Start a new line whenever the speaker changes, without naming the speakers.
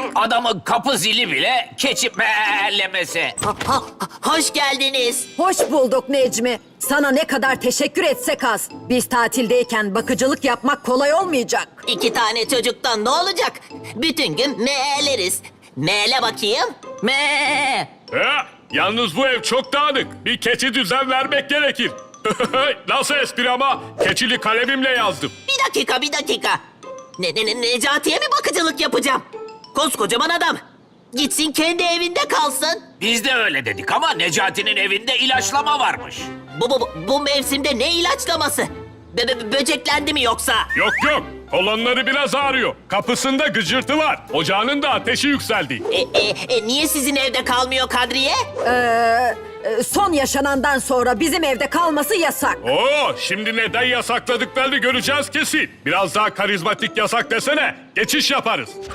Adamın kapı zili bile keçi meğerlemesi.
Hoş geldiniz.
Hoş bulduk Necmi. Sana ne kadar teşekkür etsek az. Biz tatildeyken bakıcılık yapmak kolay olmayacak.
2 tane çocuktan ne olacak? Bütün gün meğerleriz. Meğle bakayım. Me.
Yalnız bu ev çok dağınık. Bir keçi düzen vermek gerekir. Nasıl espri ama? Keçili kalemimle yazdım.
Bir dakika. Necati'ye mi bakıcılık yapacağım? Koskocaman adam. Gitsin kendi evinde kalsın.
Biz de öyle dedik ama Necati'nin evinde ilaçlama varmış.
Bu mevsimde ne ilaçlaması? Böceklendi mi yoksa?
Yok. Kolonları biraz ağrıyor. Kapısında gıcırtı var. Ocağının da ateşi yükseldi.
Niye sizin evde kalmıyor Kadriye?
Son yaşanandan sonra bizim evde kalması yasak.
Şimdi neden yasakladıklarını göreceğiz kesin. Biraz daha karizmatik yasak desene. Geçiş yaparız.